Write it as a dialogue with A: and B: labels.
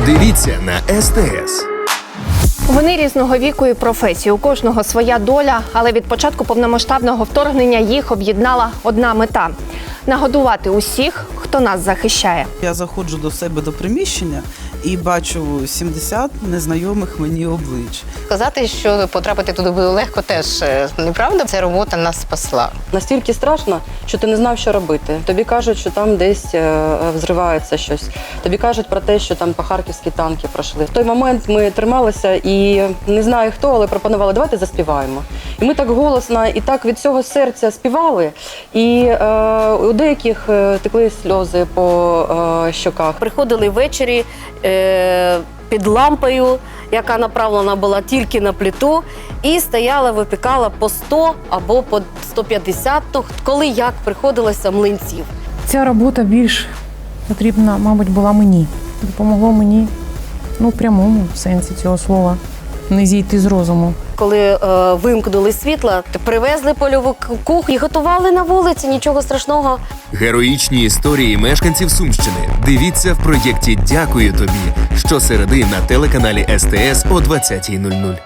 A: Дивіться на СТС.
B: Вони різного віку і професії, у кожного своя доля, але від початку повномасштабного вторгнення їх об'єднала одна мета – нагодувати усіх, хто нас захищає.
C: Я заходжу до себе до приміщення і бачу 70 незнайомих мені облич.
D: Сказати, що потрапити туди було легко, теж неправда. Ця робота нас спасла.
E: Настільки страшно, що ти не знав, що робити. Тобі кажуть, що там десь взривається щось. Тобі кажуть про те, що там по Харківські танки пройшли. В той момент ми трималися і не знаю хто, але пропонували, давайте заспіваємо. І ми так голосно і так від цього серця співали. І у деяких текли сльози по щоках.
F: Приходили ввечері під лампою, яка направлена була тільки на плиту, і стояла, випікала по 100 або по 150, коли як приходилося млинців.
G: Ця робота більш потрібна, мабуть, була мені. Допомогло мені, в прямому сенсі цього слова, не зійти з розуму.
F: Коли вимкнули світло, привезли польову кухню і готували на вулиці, нічого страшного.
A: Героїчні історії мешканців Сумщини. Дивіться в проєкті «Дякую тобі» щосереди на телеканалі СТС о 20:00.